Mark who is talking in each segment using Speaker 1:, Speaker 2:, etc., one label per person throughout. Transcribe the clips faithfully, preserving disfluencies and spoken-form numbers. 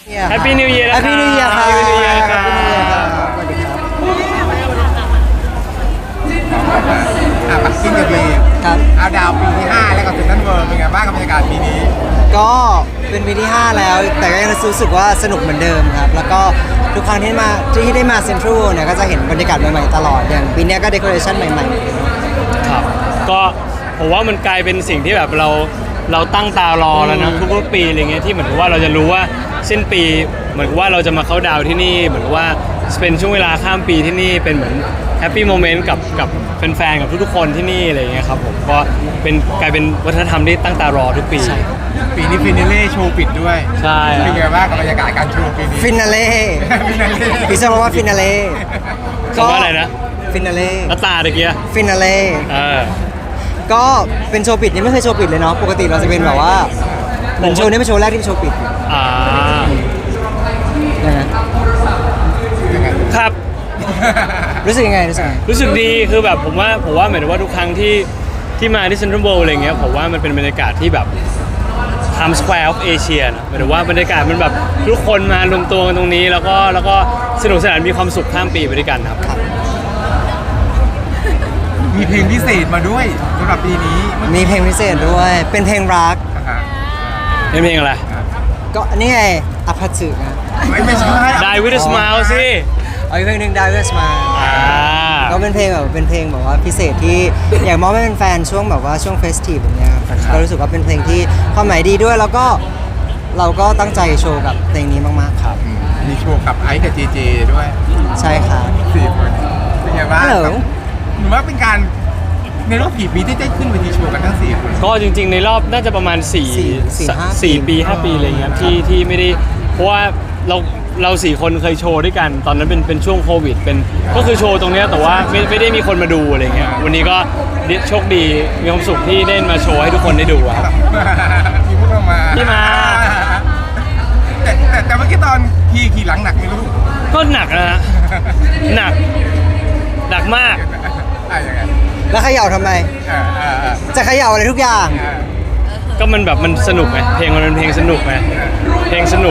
Speaker 1: แฮปปี้นิวเยียร์
Speaker 2: แฮปปี้นิวเยียร์ครับ
Speaker 1: แฮปปี้นิวเยียร์ครับ
Speaker 2: แฮปปี้นิวเยียร์ครับสวัสดีครับ
Speaker 3: อ่ะปักกิ้งกับปี
Speaker 2: ครับ
Speaker 3: เอาดาวปีที่ห้าแล้วกับเซ็นทรัลเวิลด์เป็นไงบ้างกับบรรยากาศปีนี้
Speaker 2: ก็เป็นปีที่ห้าแล้ว แต่ก็ยังรู้สึกว่าสนุกเหมือนเดิมครับ แล้วก็ทุกครั้งที่มาที่ได้มาเซ็นทรัลเนี่ยก็จะเห็นบรรยากาศใหม่ๆตลอด อย่างปีนี้ก็เดคอเรชั่นใหม่ๆ
Speaker 1: ครับก็ผมว่ามันกลายเป็นสิ่งที่แบบเราเราตั้งตารอแล้วนะทุกๆปีอะไรเงี้ยที่เหมือนกับว่าเราจะรู้ว่าสิ้นปีเหมือนกับว่าเราจะมาเข้าดาวน์ที่นี่เหมือนกับว่าเป็นช่วงเวลาข้ามปีที่นี่เป็นเหมือนแฮปปี้โมเมนต์กับกับแฟนๆกับทุกๆคนที่นี่อะไรเงี้ยครับผมก็เป็นกลายเป็นวัฒนธรรมที่ตั้งตารอทุกปี
Speaker 3: ปีนี้ฟินาเล่โชว์ปิดด้วย
Speaker 1: ใช่
Speaker 3: เป็นไงบ้างกับบรรยากาศการโชว์ปีนี้
Speaker 2: ฟินาเล่
Speaker 3: ฟินาเล่
Speaker 2: พี่ชอบว่าฟินาเล่
Speaker 1: คำว่าอะไรนะ
Speaker 2: ฟินาเล่
Speaker 1: แล้วตาตะเกีย
Speaker 2: ฟินาเล่
Speaker 1: เออ
Speaker 2: ก็เป็นโชว์ปิดนี่ไม่เคยโชว์ปิดเลยเนาะ ปกติเราจะเป็นแบบว่าเหมือนโชว์นี้เป็นโชว์แรกที่เป็นโชว์ปิด
Speaker 1: อ่า
Speaker 2: นะฮะ
Speaker 3: ยังไง
Speaker 1: ครับ
Speaker 2: รู้สึกยังไงรู้สึกยังไง
Speaker 1: รู้สึกดีคือแบบผมว่าผมว่าหมายถึงว่าทุกครั้งที่ที่มาที่เซ็นทรัลเวิลด์อะไรเงี้ยผมว่ามันเป็นบรรยากาศที่แบบ Times Square of Asia นะหมายถึงว่าบรรยากาศมันแบบทุกคนมารวมตัวกันตรงนี้ แล้วก็แล้วก็สนุกสนานมีความสุขข้ามปีไปด้วยกันครับ
Speaker 3: มีเพลงพิเศษมาด้วยสำหรับปีนี้
Speaker 2: มีเพลงพิเศษด้วย เป็นเพลงรัก
Speaker 3: อ่าฮะ
Speaker 1: เป็นเพลงอะไร
Speaker 2: ก็นี่ไงอภัสึนะ
Speaker 3: ไม่ไม่ใช่
Speaker 1: Die with a smile สิ
Speaker 2: เอาอีกเพลงหนึ่งดาวเวสมา
Speaker 1: อ่า
Speaker 2: ก็เป็นเพลงแบบเป็นเพลงแบบว่าพิเศษที่อยากมอบให้เป็นแฟนช่วงแบบว่าช่วงเฟสทีฟแบบเนี้ยครับก็รู้สึกว่าเป็นเพลงที่ความหมายดีด้วยแล้วก็เราก็ตั้งใจโชว์กับเพลงนี้มากๆครับ
Speaker 3: อืมมีโชว์กับไอซ์กับเจเจด้วย
Speaker 2: ใช่ครับ
Speaker 3: สี่คนเป็นไงบ้าง
Speaker 2: ฮัลโหล
Speaker 3: หรือว่าเป็นการในรอบกี่ปีที่ได้ขึ้นเวทีโชว์กันทั้งสี่คน
Speaker 1: ก็จริงๆในรอบน่าจะประมาณ4
Speaker 2: สี่สี่ห้า
Speaker 1: สี่ปีห้าปีอะไรเงี้ยที่ที่ไม่ได้เพราะว่าเราเราสี่คนเคยโชว์ด้วยกัน ตอนนั้นเป็นเป็นช่วงโควิดเป็นก็คือโชว์ตรงเนี้ยแต่ว่าไม่ไม่ได้มีคนมาดูอะไรเงี้ยวันนี้ก็โชคดีมีความสุขที่ได้มาโชว์ให้ทุกคนได้ดูอะครับ
Speaker 3: มีพวกเรามา
Speaker 1: พี่มา
Speaker 3: แต่แต่แต่เมื่อกี้ตอนขี่ขี่หลังหนักไหม่รู้
Speaker 1: ก็หนักนะฮะหนักหนักมาก
Speaker 3: อ่ะยังไง
Speaker 2: แล้วเขย่าทำไม
Speaker 3: อ่าอ่าอ่า
Speaker 2: จะเขย่าอะไรทุกอย่าง
Speaker 3: อ่า
Speaker 1: ก็มันแบบมันสนุกไงเพลงมันเป็นเพลงสนุกไงเพลงสนุก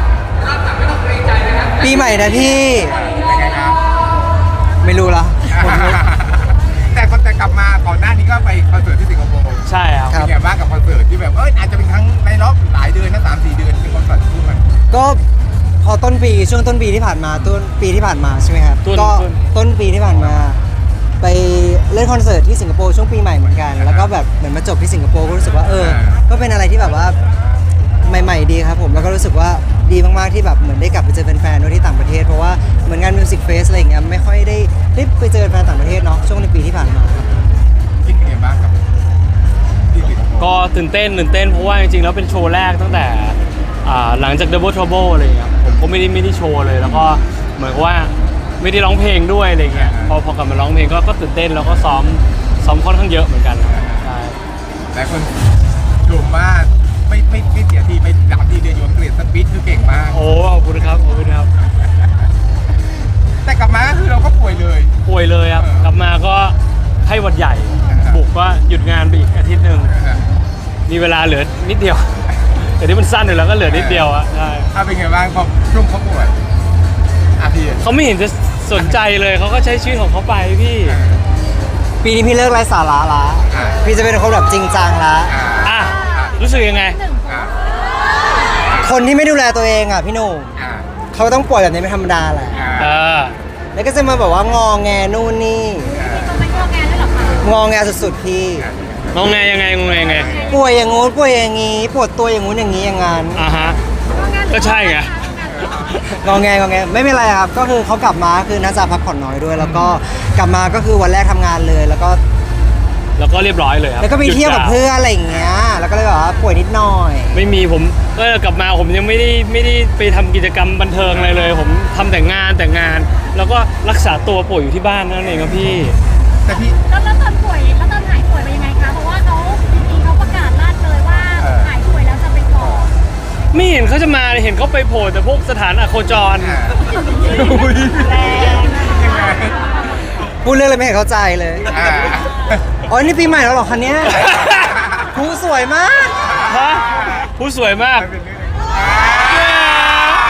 Speaker 2: ปีใหม่นะพี่
Speaker 3: ยังไงครับ
Speaker 2: ไม่รู้ละผมรู้
Speaker 3: แต่คนแต่กลับมาก่อนหน้านี้ก็ไปคอนเสิร์ตที่สิงคโปร์
Speaker 1: ใช่ครับ
Speaker 2: ครับ
Speaker 3: เป็นไงบ้างกับคอนเสิร์ตที่แบบเอออาจจะเป็นครั้งในรอบหลายเดือนนะสามสี่เดือนเป็นคอนเสิร์ตคู่กัน
Speaker 2: ก็พอต้นปีช่วงต้นปีที่ผ่านมาต้นปีที่ผ่านมาใช่ไหมครับ
Speaker 1: ต้น
Speaker 2: ก็
Speaker 1: ต้น
Speaker 2: ต้นปีที่ผ่านมา ไปเล่นคอนเสิร์ตที่สิงคโปร์ช่วงปีใหม่เหมือนกัน แล้วก็แบบเหมือนมาจบที่สิงคโปร์ก็รู้สึกว่าเออ ก็เป็นอะไรที่แบบว่าใหม่ๆดีครับผมแล้วก็รู้สึกว่าดีมากๆที่แบบเหมือนได้กลับไปเจอแฟนๆด้วยที่ต่างประเทศเพราะว่าเหมือนงานมิวสิกเฟสอะไรอย่างเงี้ยไม่ค่อยได้ได้ไปเจอแฟนต่างประเทศเนาะช่วงในปีที่ผ่านมาครับ
Speaker 3: คิดเป็นไงบ้างกับที่สิงคโปร์
Speaker 1: ก็ตื่นเต้นตื่นเต้นเพราะว่าจริงๆแล้วเป็นโชว์แรกตั้งแต่อ่าหลังจาก Double Trouble อะไรเงี้ยผมก็ไม่ได้ไม่ได้โชว์เลย แล้วก็เหมือนกับว่าไม่ได้ร้องเพลงด้วยอะไรเงี้ยพอพอกลับมาร้องเพลงก็ก็ตื่นเต้นแล้วก็ซ้อมซ้อมค่อนข้างเยอะเหมือนกันครับใช่
Speaker 3: หลายคนชมว่าไม่ไม่ไม่เสียทีไปสามทีเดือนอยู่อังกฤษสปีดคือเก่งมาก
Speaker 1: โอ้ขอบคุณครับขอบคุณครับ
Speaker 3: แต่กลับมาก็คือเราก็ป่วยเลย
Speaker 1: ป่วยเลยครับกลับมาก็ไข้หวัดใหญ่
Speaker 3: อ่าฮะ
Speaker 1: บุกก็หยุดงานไปอีกอาทิตย์หนึ่งมีเวลาเหลือนิดเดียว แต่ที่มันสั้นอยู่แล้วก็เหลือนิดเดียวอะใช่
Speaker 3: ถ้าเป็นไงบ้างพอช่วงเขาป่วยอาพี่
Speaker 1: เขาไม่เห็นจะสนใจเลยเขาก็ใช้ชีวิตของเขาไปพี่
Speaker 2: ปีนี้พี่เลิกไร้สาระละ
Speaker 3: อ่า
Speaker 2: พี่จะเป็นคนแบบจริงจังละ
Speaker 3: อ่า
Speaker 1: อ่ะรู้สึกยังไง
Speaker 3: อ่า
Speaker 2: คนที่ไม่ดูแลตัวเองอ่ะพี่หนุ่ม
Speaker 3: อ่า
Speaker 2: เขาก็ต้องป่วยแบบนี้เป็นธรรมดาแหละ
Speaker 1: เอ
Speaker 3: อ่า
Speaker 1: อ
Speaker 2: แล้วก็จะมาแบบว่างอแงนู่นนี่
Speaker 4: ต้องไม่งอแงด้วยเหรอคะ
Speaker 2: งอแงสุดๆพี่
Speaker 1: งงไงยังไงงงไงยังไง
Speaker 2: ป่วยอย่างงู้นป่วยอย่างงี้ปวดตัวอย่างงู้นอย่างงี้อย่างงั้น
Speaker 1: อ่าฮะ ก็ใช่ไง
Speaker 2: งอแงงอแงไม่เป็นไรครับก็คือเขากลับมาคือน่าจะพักผ่อนน้อยด้วย แล้วก็กลับมาก็คือวันแรกทำงานเลย แล้วก็
Speaker 1: แล้วก็เรียบร้อยเลยครับ
Speaker 2: แล้วก็ไปเที่ยวกับเพื่อนอะไรอย่างเงี้ยแล้วก็เลยแบบว่าป่วยนิดหน่อย
Speaker 1: ไม่มีผมก็กลับมาผมยังไม่ได้ไม่ได้ไปทำกิจกรรมบันเทิงอะไรเลย ผมทำแต่งานแต่งาน แล้วก็รักษาตัวป่วยอยู่ที่บ้านนั่นเองครับพี่
Speaker 3: แต่พี่
Speaker 4: แล้วแล้วตอนป่วยแล้วตอนหายป่วยเป็นยังไงคะ เพราะว่าเขาจริงๆเขาประกาศลั่นเลยว่า
Speaker 3: เออ
Speaker 4: หายป่วยแล้วจะไปก่อน
Speaker 1: ไม่เห็นเขาจะมาเลยเห็นเขาไปโผล่แต่พวกสถานอโคจร
Speaker 3: อ่า
Speaker 4: แรง
Speaker 3: ยังไง
Speaker 2: พูดเรื่องอะไรไม่เห็นเข้าใจเลย
Speaker 3: อ่า
Speaker 2: อ๋อนี่ปีใหม่แล้วเหรอคันเนี้ยครูสวยมาก
Speaker 1: ฮะผู้สวยมาก
Speaker 3: เป็นเรื่องอ่า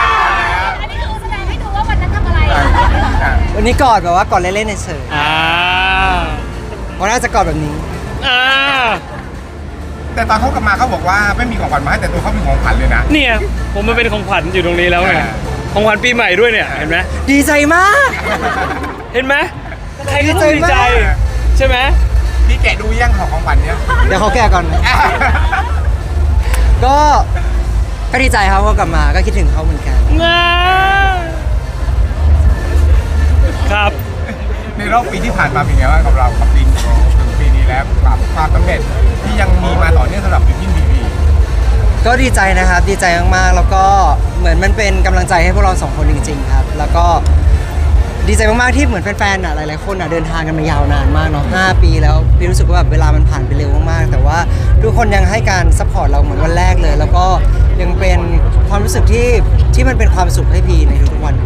Speaker 2: วันนี้กอดแบบว่ากอดเล่นๆเฉย
Speaker 1: อ่า
Speaker 2: ๆวันน่าจะกอดแบบนี้
Speaker 1: อ่า
Speaker 3: แต่ตอนเขากลับมาเขาบอกว่าไม่มีของขวัญมาให้แต่ตัวเขามีของขวัญเลยนะ
Speaker 1: เนี่ยผมมาเป็นของขวัญอยู่ตรงนี้แล้วไง
Speaker 3: อ่า
Speaker 1: ของขวัญปีใหม่ด้วยเนี่ยเห็นไหม
Speaker 2: ดีใจมาก
Speaker 1: เห็นไหมใครก็ต้องดีใจ
Speaker 2: ดีใจมาก
Speaker 1: ใช่ไหม
Speaker 3: พี่แกะดูยังของของขวัญเนี้ย
Speaker 2: เดี๋ยวเขาแก่ก่อน ก็ก็ดีใจครับว่ากลับมาก็คิดถึงเขาเหมือนกัน
Speaker 1: ง่าครับ
Speaker 3: ในรอบปีที่ผ่านมาเป็นไงบ้างกับเรากับปีนี้ถึงปีนี้แล้วกับความสำเร็จที่ยังมีมาต่อเนื่องสำหรับบิวกิ้นบีบี
Speaker 2: ก็ดีใจนะครับดีใจมากๆแล้วก็เหมือนมันเป็นกำลังใจให้พวกเราสองคนจริงๆครับ แล้วก็ดีใจมากๆที่เหมือนแฟนๆอ่ะหลายๆคนอ่ะเดินทางกันมายาวนานมากเนาะห้าปีแล้วพี่รู้สึกว่าแบบเวลามันผ่านไปเร็วมากๆแต่ว่าทุกคนยังให้การซัพพอร์ตเราเหมือนวันแรกเลย แล้วก็ยังเป็นความรู้สึกที่ที่มันเป็นความสุขให้พี่ในทุกๆวัน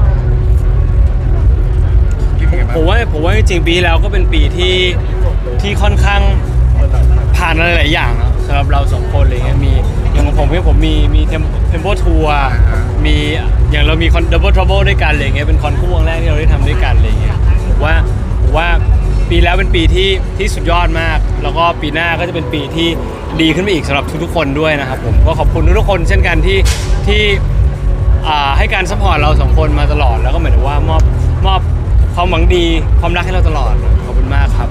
Speaker 3: คิดยังไงบ้าง
Speaker 1: ผมว่าผมว่าจริงๆปีที่แล้วก็เป็นปีที่ที่ค่อนข้างผ่านอะไรหลายอย่างนะสำหรับเราสองคนอะไรเงี้ยมีอย่างของผมเนี่ยผมมีมีเทมโปทัวร์มีอย่างเรามีคอนดับเบิลทรั b เบิลด้วยกันอะไรเงี้ยเป็นคอนคู่วงแรกที่เราได้ทำด้วยกันอะไรเงี้ยผมว่าผมว่าปีแล้วเป็นปีที่ที่สุดยอดมาก แล้วก็ปีหน้าก็จะเป็นปีที่ดีขึ้นไปอีกสำหรับทุกๆคนด้วยนะครับผมก็ขอบคุณทุกๆคนเช่นกันที่ที่อ่าให้การซัพพอร์ตเราสองคนมาตลอดแล้วก็เหมือนว่ามอบมอบความหวังดีความรักให้เราตลอดขอบคุณมากครับ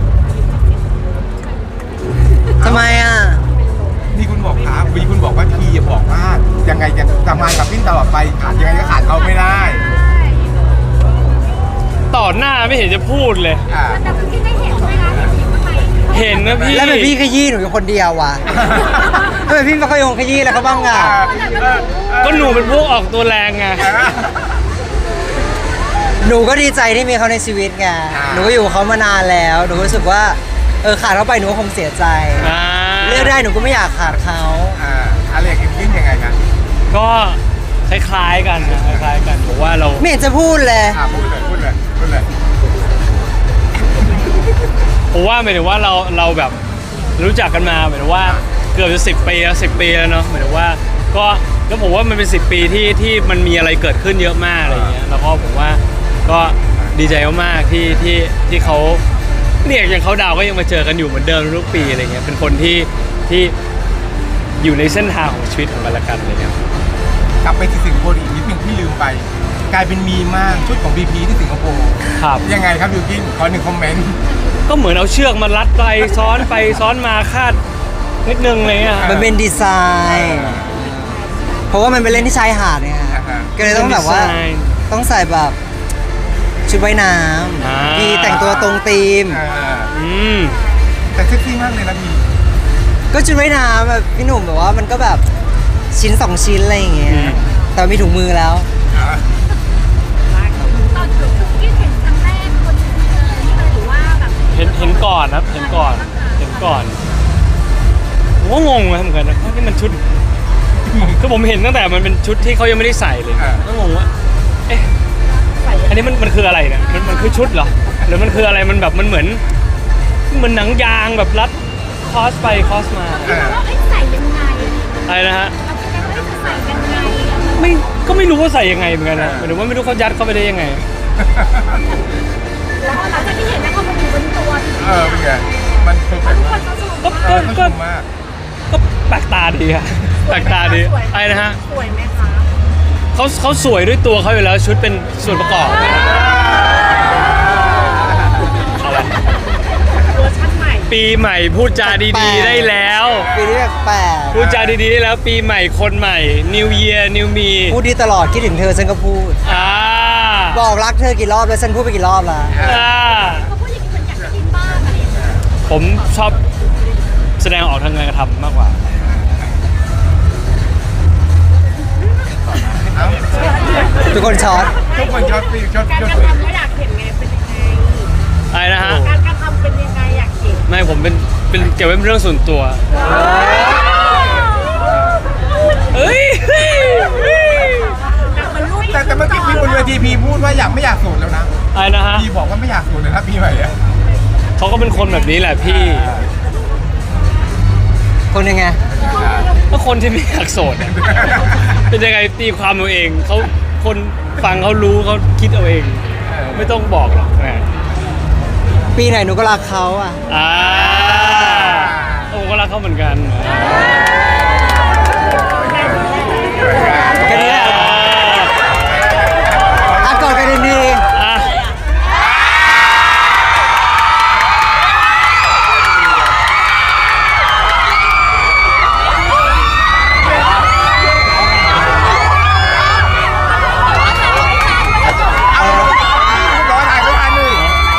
Speaker 2: ทำไมอ่ะ
Speaker 3: นี่คุณบอกครับวีคุณบอกว่าทีอย่าบอกว่ายังไงจะทำงานกับพิ้นตลอดไปขาดยังไงก็ขาดเขาไม่ได้
Speaker 1: ต่อหน้าไม่เห็นจะพูดเลย
Speaker 3: อ่า
Speaker 4: แต่พี่ได้เห็นไหมคะเห็นไหม
Speaker 1: เห็นนะพี่
Speaker 2: แล้วเป็นพี่ขยี้หนูอยู่คนเดียววะทำไมพี่ไม่ค่อยยงขยี้แล้วเขาบ้างอ่ะ
Speaker 1: ก็หนูเป็นพวกออกตัวแรงไง
Speaker 2: หนูก็ดีใจที่มีเขาในชีวิตไงหนูก็อยู่กับเขามานานแล้วหนูก็รู้สึกว่าเออขาดเขาไปหนูก็คงเสียใจ
Speaker 1: อ่า
Speaker 2: เลือกได้หนูก็ไม่อยากขาดเขา
Speaker 3: อ่าอะไรกับพิ้นยังไงนะ
Speaker 1: ก็คล้ายๆกันนะคล้ายๆกันผมว่าเรา
Speaker 2: ไม่เห็นจะพูดเลย
Speaker 3: อ่าพูดเลยพูดเลยพูดเลย
Speaker 1: ผมว่าหมายถึงว่าเราเราแบบรู้จักกันมาหมายถึงว่าเกือบจะสิบปีแล้วสิบปีแล้วเนาะหมายถึงว่าก็ก็ผมว่ามันเป็นสิบปีที่ที่มันมีอะไรเกิดขึ้นเยอะมากอะไรอย่างเงี้ยแล้วก็ผมว่าก็ดีใจมากๆที่ที่ที่เขาเนี่ยอย่างเขาดาวก็ยังมาเจอกันอยู่เหมือนเดิมทุกปีอะไรเงี้ยเป็นคนที่ที่อยู่ในเส้นทางของชีวิตของกันและกันอะไรเงี้ย
Speaker 3: กลับไปที่สิงคโปร์อีกนิดนึงที่ลืมไป กลายเป็นมีมากชุดของบีพีที่สิงคโปร์
Speaker 1: ครับ
Speaker 3: ยังไงครับบิวกิ้นขอหนึ่งคอมเมนต์
Speaker 1: ก็เหมือนเอาเชือกมารัดไปซ้อนไปซ้อนมาคาดนิดนึงอะไรเลยอ่ะ
Speaker 2: มันเป็นดีไซน์ เพราะว่ามันเป็นเล่นที่ชายหาดเนี่ยฮะ
Speaker 3: อ่าฮะ
Speaker 2: ก็เลยต้องแบบว่า
Speaker 1: ดีไซน์
Speaker 2: ต้องใส่แบบชุดว่ายน้
Speaker 1: อ่า
Speaker 2: ำพี่แต่งตัวตรงธีม
Speaker 3: อ่า
Speaker 1: อืม
Speaker 3: แต่เซ็กซี่มากเลยนะพี่
Speaker 2: ก็ชุดว่ายน้ำแบบพี่หนุ่มแบบว่ามันก็แบบชิ้นสองชิ้นอะไรอย่างเงี้ย
Speaker 1: อืม
Speaker 2: แต่มีถุงมือแล้ว
Speaker 3: อ่า
Speaker 4: ตอนที่เห็นครั้งแรกคนเลยหรือว่าแบบ
Speaker 1: เห็นเห็นก่อนครับเห็นก่อนเห็นก่อนผมก็งงนะเหมือนกันนะเพราะนี่มันชุดคือผมเห็นตั้งแต่มันเป็นชุดที่เขายังไม่ได้ใส่เลยก็งงว่าเอ๊ะอันนี้มันมันคืออะไรเนี่ยมันมันคือชุดเหรอหรือมันคืออะไรมันแบบมันเหมือนเหมือนหนังยางแบบรัดคอสไปคอสมา
Speaker 4: คิดว่าไอ้ใส่ยังไง
Speaker 1: อะไรนะฮะ
Speaker 4: เราคิดว่าจะใส่ยังไง
Speaker 1: ไม่ก็ไม่รู้ว่าใส่ยังไงเหมือนกันนะหรือว่าไม่รู้เขายัดเข้าไปได้ยังไง
Speaker 4: แล้วหลังจากที่เห็นแล้วเขามาอยู่บนตัว
Speaker 3: เออเป็นไงมันเพอร์เฟก
Speaker 4: ทุก
Speaker 3: ต์
Speaker 4: ค
Speaker 3: มาน ก
Speaker 4: เขาสนุก
Speaker 1: ก็
Speaker 3: เอ
Speaker 1: ก็
Speaker 3: อเขาช
Speaker 1: ก็
Speaker 3: มมาก
Speaker 1: ก็แปลกตาดีอะแปลกตาดีอะไรนะฮะ
Speaker 4: สวยไหมคะ
Speaker 1: เขาเขาสวยด้วยตัวเขาอยู่แล้วชุดเป็นส่วนประกอบอะไร
Speaker 4: เวอร์ชันใหม่
Speaker 1: ปีใหม่พูดจาดีๆได้แล้ว
Speaker 2: ปีนี้แปลก
Speaker 1: พูดจาดีๆได้แล้วปีใหม่คนใหม่ New Year New Me
Speaker 2: ๆพูดดีตลอดคิดถึงเธอฉันก็พูด
Speaker 1: อ่า
Speaker 2: บอกรักเธอกี่รอบแล้วฉันพูดไปกี่รอบแล้ว
Speaker 1: อ่า
Speaker 4: เขาพูดอย่างนี้เหมือนอยากจะกินบ้างอะไรอย่างเงี้ย
Speaker 1: ผมชอบแสดงออกทางการกระทำมากกว่า
Speaker 3: เอ้า
Speaker 2: ทุกคนช็อต
Speaker 3: ทุกคนชอบปีชอบ
Speaker 4: การ
Speaker 3: ชอบ
Speaker 4: กระ
Speaker 3: ปี
Speaker 4: ทำก็อยากเห็นไงเป็นยังไง
Speaker 1: อะไรนะฮะ
Speaker 4: การกระทำเป็นยังไงอยากเห็น
Speaker 1: ไม่ผมเป็นเป็นเก็บไว้เป็นเรื่องส่วนตัวเอ้ยเฮ้ยเฮ้ย
Speaker 4: แต่มันรูป
Speaker 3: แต่แต่เมื่อกี้พี่บนเวทีพี่พูดว่าอยากไม่อยากโสดแล้วนะ
Speaker 1: อะไรนะฮะ
Speaker 3: พี่บอกว่าไม่อยากโสดเลยนะพี่ใหม่อะ
Speaker 1: เขาก็เป็นคนแบบนี้แหละพี่
Speaker 2: คนยังไง
Speaker 1: ก็คนที่ไม่อยากโสดอะเป็นยังไงตีความเอาเองเขาคนฟังเขารู้เขาคิดเอาเอง
Speaker 3: เออ
Speaker 1: ไม่ต้องบอกหรอกแหม
Speaker 2: ปีไหนหนูก็รักเขาอ่ะ
Speaker 1: อ่าโอ้ก็รักเขาเหมือนกัน
Speaker 2: แค่นี้แหละอ่ะกอดกันดี
Speaker 1: อ่ะ
Speaker 3: รอถ่ายไม่ทันเลย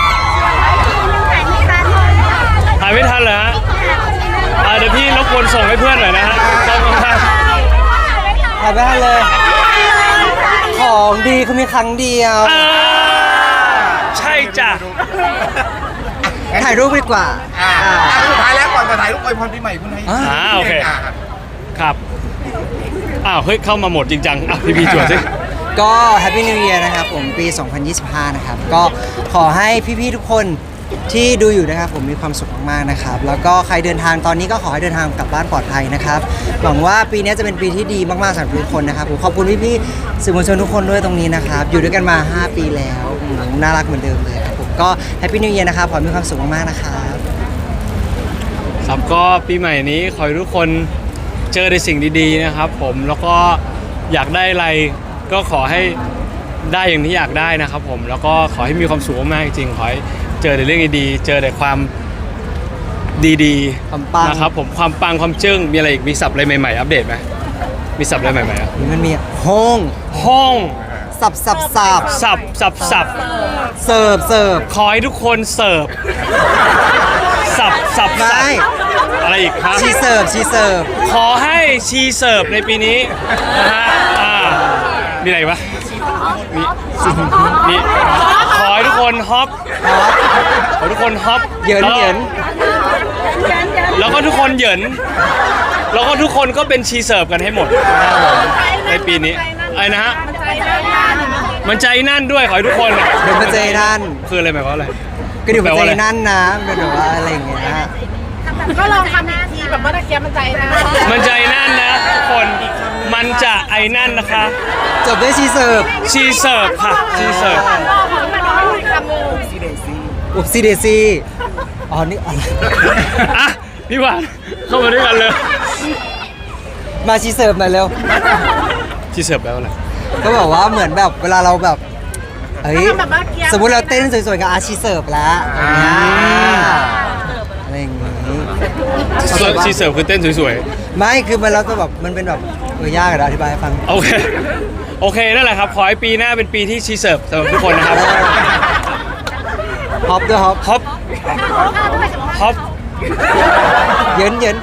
Speaker 1: ถ่ายไม่ทันเหรอฮะอ่าเดี๋ยวพี่รบกวนส่งให้เพื่อนหน่อยนะฮะต้องข้าง
Speaker 2: ๆถ่ายไปให้เลย ของดีเขามีครั้งเดียว
Speaker 1: ๆอ่าใช่จ้ะ
Speaker 2: ถ่ายรูปดีกว่า
Speaker 3: อ่า
Speaker 2: อ่า
Speaker 3: อ่ะสุดท้ายแล้วก่อนจะถ่ายรูปอวยพรปีใหม่คุณให้
Speaker 2: อ่า
Speaker 1: อ่าโอเคครับอ้าวเฮ้ยเข้ามาหมดจริงจังอ่ะพี่พี่จวดสิ
Speaker 2: ก็ Happy New Year นะครับผมปี สองพันยี่สิบห้า นะครับ ก็ขอให้พี่ๆทุกคนที่ดูอยู่นะครับผมมีความสุขมากๆนะครับ แล้วก็ใครเดินทางตอนนี้ก็ขอให้เดินทางกลับบ้านปลอดภัยนะครับ หวังว่าปีนี้จะเป็นปีที่ดีมากๆสำหรับทุกคนนะครับผมขอบคุณพี่ๆสื่อมวลชนทุกคนด้วยตรงนี้นะครับ อยู่ด้วยกันมา ห้า ปีแล้วอืมน่ารักเหมือนเดิมเลยครับผมก็ Happy New Year นะครับขอให้มีความสุขมากๆนะครับ
Speaker 1: ครับก็ปีใหม่นี้ขอให้ทุกคนเจอในสิ่งดีๆนะครับผมแล้วก็อยากได้อะไรก็ขอให้ได้อย่างที่อยากได้นะครับผมแล้วก็ขอให้มีความสุขมากๆจริงๆขอให้เจอแต่เรื่องดีๆเจอแต่ความดี
Speaker 2: ความปัง
Speaker 1: ๆนะครับผมความปังความจึ้งมีอะไรอีกมีศัพท์อะไรใหม่ๆอัปเดตไหมมีศัพท์อะไรใหม่ๆอ่ะ
Speaker 2: มันมีห้อง
Speaker 1: ห้อง
Speaker 2: สับสับสับ
Speaker 1: สับสับสับ
Speaker 2: เสิร์ฟเสิร์ฟ
Speaker 1: ขอให้ทุกคนเสิร์ฟสับสับสับ
Speaker 2: ไม่
Speaker 1: อะไรอีกครับ
Speaker 2: ชีเสิร์ฟชีเสิร์ฟ
Speaker 1: ขอให้ชีเสิร์ฟในปีนี้นะฮะอ่ามีอะไรอีกปะมีมีขอให้ทุกคนฮอปขอให้ทุกคนฮอป
Speaker 2: เหยินเหยิน
Speaker 1: แล้วก็ทุกคนเหยินแล้วก็ทุกคนก็เป็นชีเสิร์ฟกันให้หมดนะครับผมในปีนี้อะไรนะฮะมันใจนั่นด้วยขอให้ทุกคนอ่ะ
Speaker 2: เดี๋ยวมาเจอท่าน
Speaker 1: คืออะไรหมายความว่าอะไร
Speaker 2: ก็เดี๋ยว
Speaker 1: แปล
Speaker 2: มา
Speaker 1: ว่า
Speaker 2: เจ
Speaker 1: อะไร
Speaker 2: อนั่นนะเป็นแบบว่าอะไรอย่างเงี้ยนะ
Speaker 4: ก็ลองทำอีกทีแบบเมื่อกี้มันใจนะ
Speaker 1: มันใจนั่นนะทุกคนมันจะไอ้นั่นนะคะ
Speaker 2: จบด้วยชีเสิร์ฟ
Speaker 1: ชีเสิร์ฟค่ะชีเสิร์ฟ
Speaker 2: อุบซีเดซีอ๋อนี่อะไร
Speaker 1: อ่ะพี่หวานเข้ามาด้วยกันเลย
Speaker 2: มาชีเสิร์ฟหน่อยเร็ว
Speaker 1: ชีเสิร์ฟแปลว่าอะไร
Speaker 2: ก็บอกว่าเหมือนแบบเวลาเราแบบเฮ้ยสมมุติเราเต้นสวยๆกับอาชีเสิร์ฟแล้วอย่างเงี้ยอะไรอย่างงี้
Speaker 1: ชีเสิร์ฟคือเต้นสวย
Speaker 2: ไม่คือมันเราจะแบบมันเป็นแบบเออยากอะอธิบายให้ฟัง
Speaker 1: ๆโอเคโอเคนั่นแหละครับขอให้ปีหน้าเป็นปีที่ชีเสิร์ฟสำหรับทุกคนนะครับ
Speaker 2: ฮอปด้วยฮอป
Speaker 1: ฮอปฮอป
Speaker 2: เยินเยิน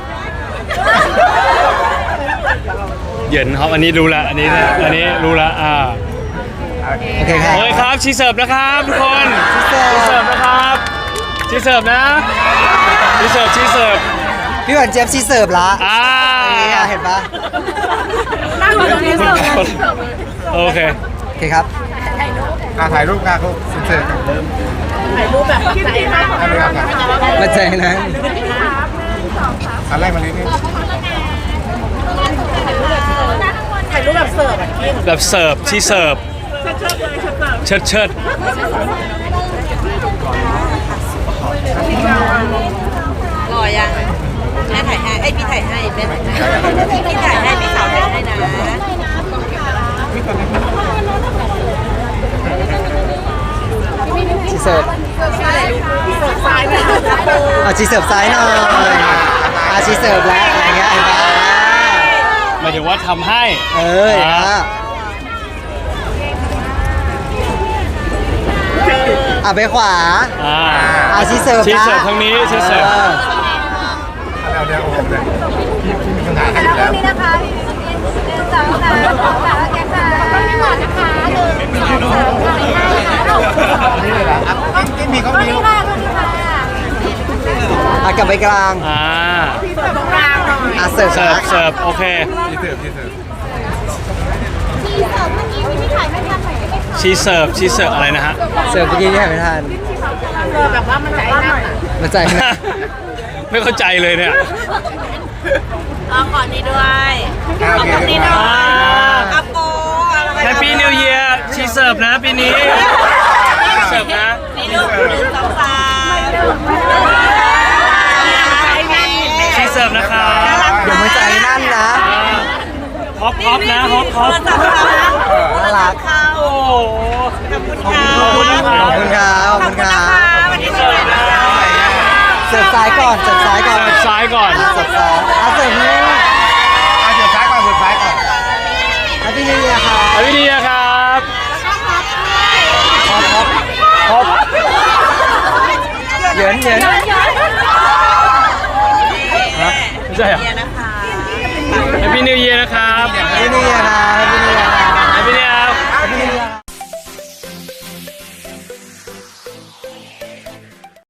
Speaker 1: เหยินฮอปอันนี้รู้ละอันนี้นะอันนี้รู้ละอ่า
Speaker 2: โอเคครับ
Speaker 1: โอเคครับชีเสิร์ฟนะครับทุกคน
Speaker 2: ชีเสิร์ฟ
Speaker 1: ชีเสิร์ฟนะครับชีเสิร์ฟนะชีเสิร์ฟชีเสิร์ฟ
Speaker 2: พี่หวานเจี๊ยบชีเสิร์ฟละ
Speaker 1: อ่า
Speaker 2: เนี่ยเห็นปะ
Speaker 4: นั่งอยู่ตรงนี้เสิร์ฟ
Speaker 1: โอเค
Speaker 2: โอเคครับ
Speaker 3: อ่ะถ่ายรูปกันเขาเสร็จ
Speaker 4: ถ่ายรูปแบบใจมาก
Speaker 3: ๆเอาเลยครับ
Speaker 2: มาเจอนะ
Speaker 3: อันแรกมาเลยนี่
Speaker 4: ถ่ายรูปแบบเสิร์ฟอ่ะกิน
Speaker 1: แบบเสิร์ฟชีเสิร์ฟเชิดเชิด
Speaker 5: รอยังแม่ถ่ายให้ไอยพี่ถ่ายให้แม่ถ่ายให้พี่ถ่ายให้พี่สาวถ่ายให้นะ
Speaker 2: ชีเสิร์ฟ
Speaker 4: เสิร์ฟซ้ายไป
Speaker 2: เอาชีเสิร์ฟซ้ายหน่อยอาชีเสิร์ฟแล้วอะไรเงี้ยเห็นปะ
Speaker 1: หมายถึงว่าทำให้
Speaker 2: เออเห็นปะอ่ะไปขวา
Speaker 1: อ่า
Speaker 2: อาชีเสิร์ฟ
Speaker 1: ชีเสิร์ฟทางนี้ชีเสิร์ฟ
Speaker 2: ออ
Speaker 3: เอาเดี๋ยวโอ้โหเลยพี่พี่มีคนถ่ายให้อยู่แล้ว
Speaker 4: นี่นะคะหนึ่งสองสามสองสามแกค่ะไม่หมดนะคะหนึ่งสองสามสี่ห้าค่ะ
Speaker 3: นี่เลยเหรออ่ะกินมีเขา
Speaker 4: ตรง
Speaker 3: มี
Speaker 4: นี้ค่ะตรงนี้ค่ะ
Speaker 2: อ่ะกลับไปกลาง
Speaker 1: อ่า
Speaker 4: เสิร์ฟตรงกลางหน่อย
Speaker 2: อ่ะเสิร์ฟ
Speaker 1: เสิร์ฟเสิร์ฟโอเค
Speaker 3: ที่เสิร์ฟที่เสิร์ฟ
Speaker 4: ทีเสิร์ฟเมื่อกี้พี่ถ่ายไม่ทันหน่อยได้ไหมคะ
Speaker 1: ชีเสิร์ฟชีเสิร์ฟอะไรนะฮะ
Speaker 2: เสิร์ฟเมื่อกี้ที่ถ่ายไม่ทัน
Speaker 4: เสิร์ฟแบบว่ามันใจนั่นอ่ะ
Speaker 2: มาใจนะ
Speaker 1: ไม่เข้าใจเลยเนี่ย
Speaker 5: เอาก่อนนี้ด้วย
Speaker 3: อ่ะโอเค
Speaker 5: นี่
Speaker 3: อ่ะ
Speaker 5: ด้วย
Speaker 1: อ่า
Speaker 5: อัปโปอะไร
Speaker 1: แฮปปี้นิวเยียร์ชีเสิร์ฟนะปีนี้
Speaker 3: อ
Speaker 1: ฮอปฮอปนะฮอปฮ
Speaker 5: โท
Speaker 1: อ
Speaker 5: ร
Speaker 1: ป
Speaker 5: ศัพท์เขานะโทรศัพท์เขา
Speaker 1: โอ้โห
Speaker 5: ขอบคุณค่ะ
Speaker 1: ขอบคุณนะครับ
Speaker 2: ขอบคุณครับขอบคุณครับ
Speaker 5: วันนี้สวัสดีค่ะ
Speaker 2: เสิร์ฟซ้ายก่อนเสิร์ฟซ้ายก่อน
Speaker 1: เสิร์ฟซ้ายก่อน
Speaker 2: เสิร์ฟซ้ายอ่ะเสิร์ฟนี่
Speaker 3: เอาสุดท้ายก่อนสุดท้ายก่อน
Speaker 2: แฮปปี้นิวเยียร์ครับ
Speaker 1: สวัสดีนะครับ
Speaker 2: ฮอปฮอป
Speaker 1: ฮอป
Speaker 2: เหยินเหยิน
Speaker 1: ฮะไม่ใช่เหรอ
Speaker 5: เยียร์